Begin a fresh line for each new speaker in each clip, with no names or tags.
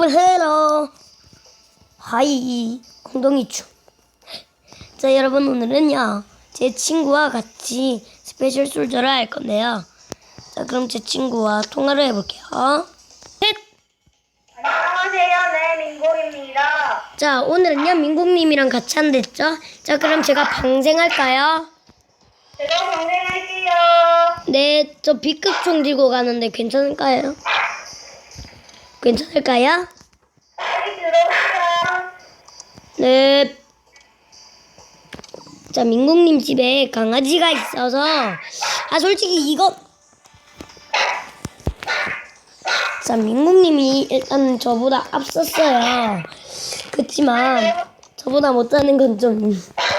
오늘 해라. 하이 엉덩이 춤. 자 여러분 오늘은요 제 친구와 같이 스페셜 솔저를 할 건데요. 자 그럼 제 친구와 통화를 해볼게요. 셋.
안녕하세요. 네, 민국입니다.
자 오늘은요 민국님이랑 같이 한댔죠. 자 그럼 제가 방생할까요?
제가 방생할게요.
네, 저 B급 총 들고 가는데 괜찮을까요? 괜찮을까요?
빨리 들어오세요.
네. 자, 민국님 집에 강아지가 있어서 솔직히 이거 자, 민국님이 일단 저보다 앞섰어요. 그치만 저보다 못하는 건 좀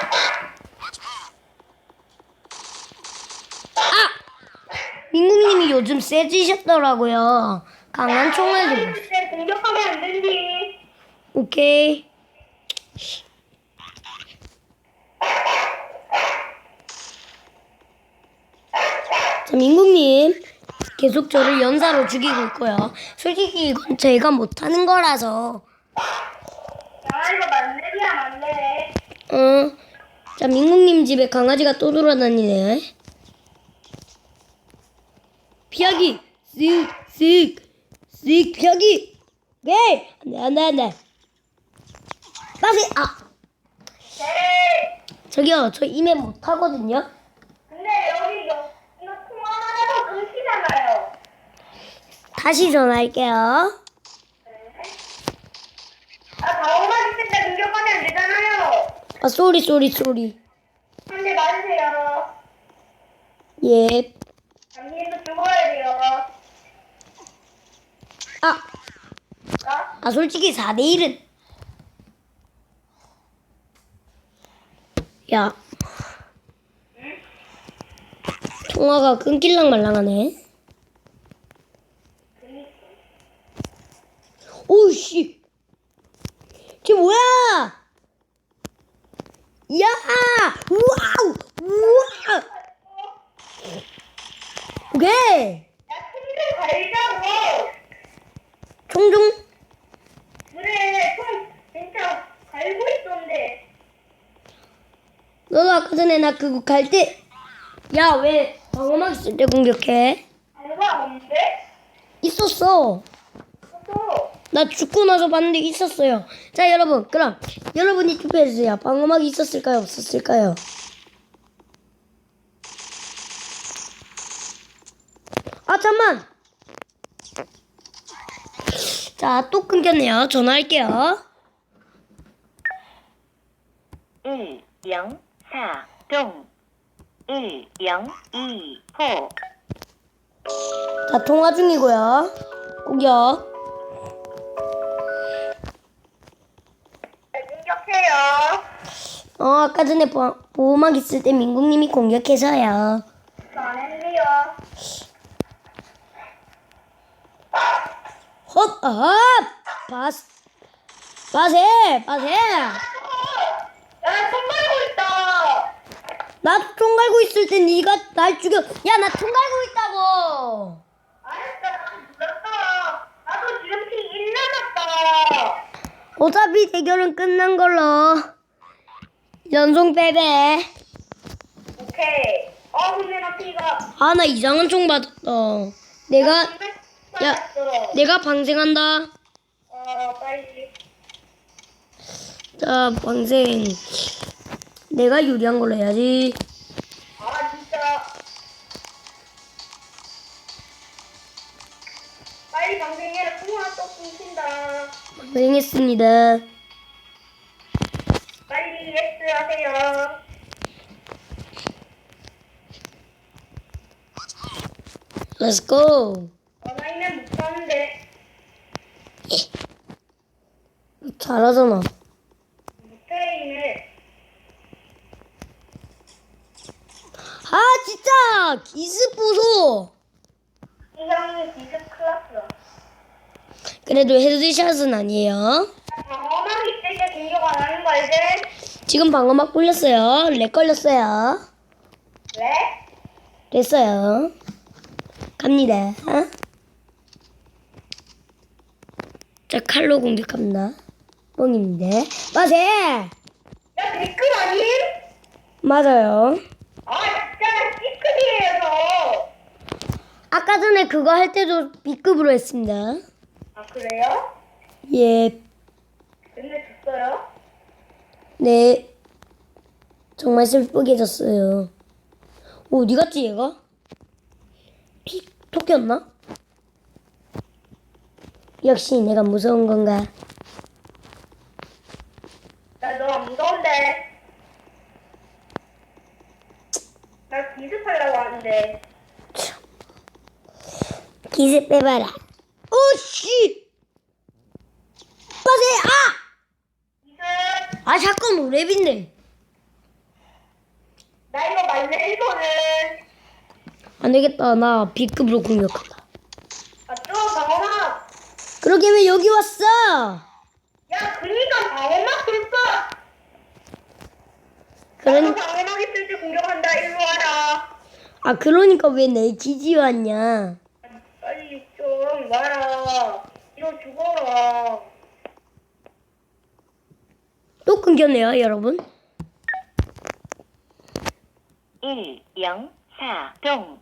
민국님이 요즘 세지셨더라고요. 강한 총을 들고.
때 공격하면 안 되지.
오케이. 자, 민국님 계속 저를 연사로 죽이고 있고요. 솔직히 이건 제가 못하는 거라서.
야, 이거 만렙이야, 만렙.
자, 민국님 집에 강아지가 또 돌아다니네. 피하기! 쓱 피하기! 오케이! 안돼 빠세!
네.
저기요 저 이메 못하거든요.
근데 여기 이거 통화만 해도 끊기잖아요.
다시 전화할게요.
방어막 있을 때 공격하면 안 되잖아요.
쏘리.
한 대 맞으세요.
예.
당신도 죽어야 돼요.
솔직히 4대1은 야 통화가 끊길랑 말랑하네. 오우씨 쟤 뭐야. 야 우와 오케이
야, 총좀 갈자고.
총종
그래, 총 진짜 갈고 있던데.
너도 아까 전에 나 그거 갈 때 야 왜 방어막 있을 때 공격해?
방어막 없는데?
있었어.
또.
나 죽고 나서 봤는데 있었어요. 자 여러분 그럼 여러분이 투표해주세요. 방어막이 있었을까요 없었을까요? 잠만. 자 또 끊겼네요. 전화할게요.
104동 1025
자 통화 중이고요. 공격.
공격해요.
아까 전에 보호막 있을 때 민국님이 공격해서요.
안 했네요.
헛, 빠세.
야, 손 갈고 있다.
나 총 갈고 있을 때 네가 날 죽여. 야, 나 총 갈고 있다고.
알았어, 나도 죽였다. 나도 지금 피1 남았다.
어차피 대결은 끝난 걸로. 연속 패배.
오케이. 근데 나 피가.
나 이상한 총 받았다. 내가 내가 방생한다.
빨리.
자, 방생. 내가 유리한 걸로 해야지.
진짜. 빨리 방생해라. 통화 또 끊긴다.
방생했습니다.
빨리 예스 하세요.
Let's go.
나이는 못하는데.
잘하잖아.
못해.
진짜 기스 부소.
이 형이 디스 클났어.
그래도 헤드샷은 아니에요.
방어막 있을 때 공격 안 하는 거 알지?
지금 방어막 굴렸어요. 렉 걸렸어요.
왜?
됐어요. 갑니다. 자, 칼로 공격합니다. 뻥인데. 맞아!
야, 댓글 아님?
맞아요.
아, 진짜 C급이에요, 저.
아까 전에 그거 할 때도 B급으로 했습니다.
아, 그래요?
예,
근데 졌어요?
네. 정말 슬프게 졌어요. 오, 어디 갔지, 얘가? 토끼였나? 역시 내가 무서운 건가?
나 너 안 무서운데. 나 기습하려고 하는데.
기세 빼봐라. 오씨! 빠세!
기습.
아! 아, 잠깐, 랩인데.
나 이거 말래, 이거는.
안 되겠다. 나 B급으로 공격한다.
아, 좀 방어막.
그러게 왜 여기 왔어?
야, 그니까 방어막 쓸까?
그런,
방어막 있을 때 공격한다, 일로 와라.
아, 그러니까 왜 내 기지 왔냐?
빨리 좀 와라. 이거 죽어라.
또 끊겼네요, 여러분.
1, 0, 4, 동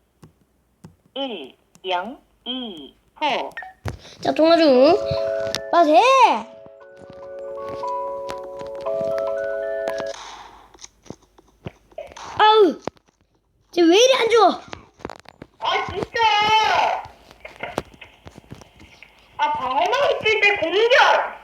1, 0, 2, 호
자, 통화 중. 빠세! 아우! 쟤 왜 이리 안 좋아?
아, 진짜. 아, 방어막 있을 때 공격.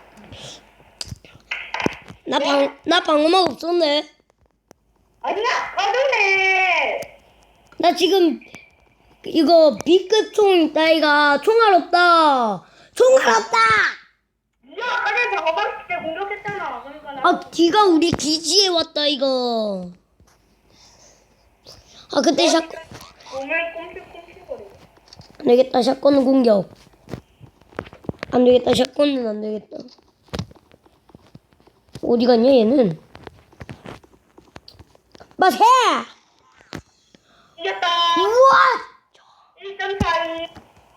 나 방어막 없었네.
아니야, 아까 전에.
나 지금 이거 B급 총 있다, 이가. 총알 없다. 총알 없다!
네가 아까 전에 방어막 있을 때 공격했잖아. 그러니까 나.
아, 뒤가 우리 기지에 왔다, 이거. 아, 그때 샷건.
몸을 꼼실꼼실거려.
안 되겠다, 샷건 공격. 안 되겠다, 샷건은 안 되겠다. 어디 갔냐, 얘는? 맞해!
이겼다.
우와!
1.42.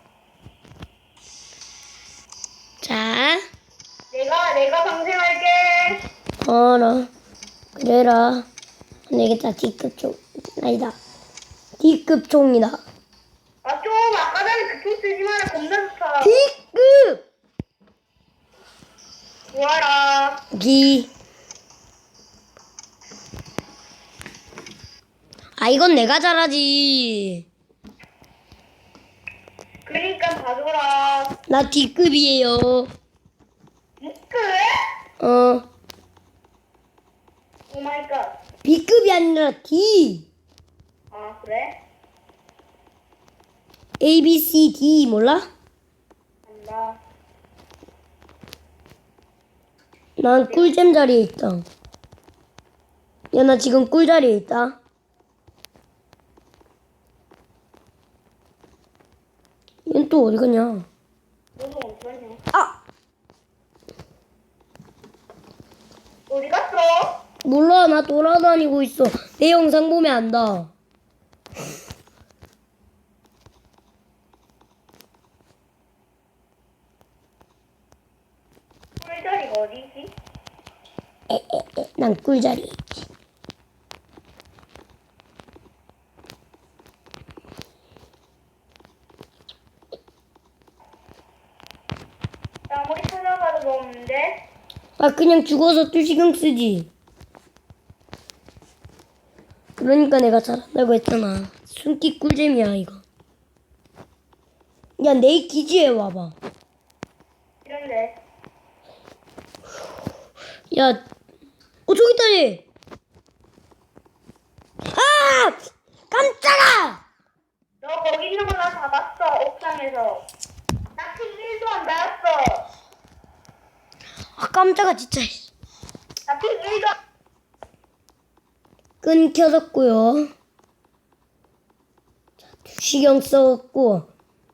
자,
내가 방생할게.
어라. 그래라. 안 되겠다, D급 총. 아니다. D급 총이다.
아, 좀 아까 전에 그총 쓰지 마라. 겁나 좋다.
D급!
좋아라.
기. 아, 이건 내가 잘하지.
그러니까 봐줘라.
나 D급이에요.
이끌?
어,
오 마이 갓.
B급이 아니라 D.
아, 그래?
A, B, C, D 몰라?
안다.
난 꿀잼 자리에 있다. 야, 나 지금 꿀 자리에 있다. 얘는 또 어디 갔냐?
너도 어디가냐?
아!
어디 갔어?
몰라, 나 돌아다니고 있어. 내 영상 보면 안다.
꿀자리가 어디지?
난 꿀자리에 있지.
나 아무리 찾아봐도 뭐 없는데?
아, 그냥 죽어서 또 신경 쓰지. 그러니까 내가 잘한다고 했잖아. 숨기 꿀잼이야, 이거. 야, 내 기지에 와봐.
이런데.
야, 저기 있다, 얘. 아! 깜짝아!
너 거기 있는 거 나 잡았어. 옥상에서. 나 피 1도 안 닿았어.
아, 깜짝아, 진짜.
나 피 1도
끊겨졌고요. 자, 주시경 써갖고.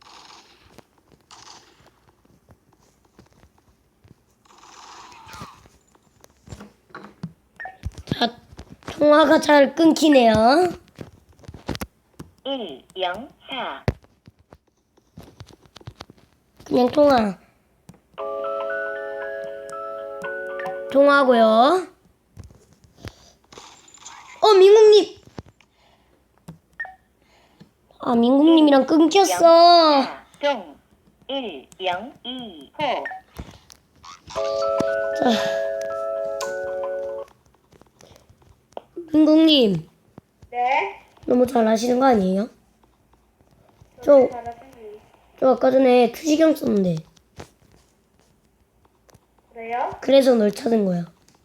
자, 통화가 잘 끊기네요.
1, 0, 4
그냥 통화. 통화하고요. 민국님. 민국님이랑 끊겼어.
4, 동 1, 0, 2, 호.
자, 민국님
네?
너무 잘하시는 거 아니에요? 저 아까 전에 투시경 썼는데
그래요?
그래서 널 찾은 거야.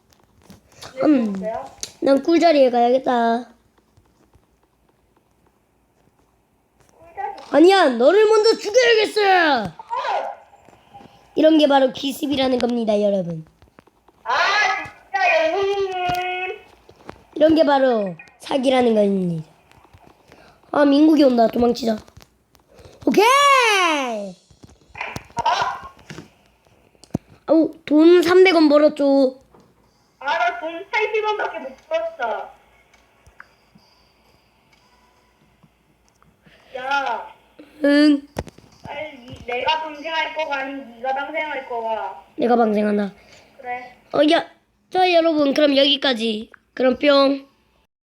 그래요?
난 꿀자리에 가야겠다. 아니야, 너를 먼저 죽여야겠어. 이런 게 바로 기습이라는 겁니다, 여러분.
아 진짜 영웅님.
이런 게 바로 사기라는 겁니다. 민국이 온다. 도망치자. 오케이. 아우, 돈 300원 벌었죠.
나 돈 80원밖에 못 벌었어. 야,
응,
빨리 내가 방생할 거가 아닌 네가 방생할 거가.
내가 방생한다.
그래.
야, 자 여러분, 그럼 여기까지. 그럼 뿅.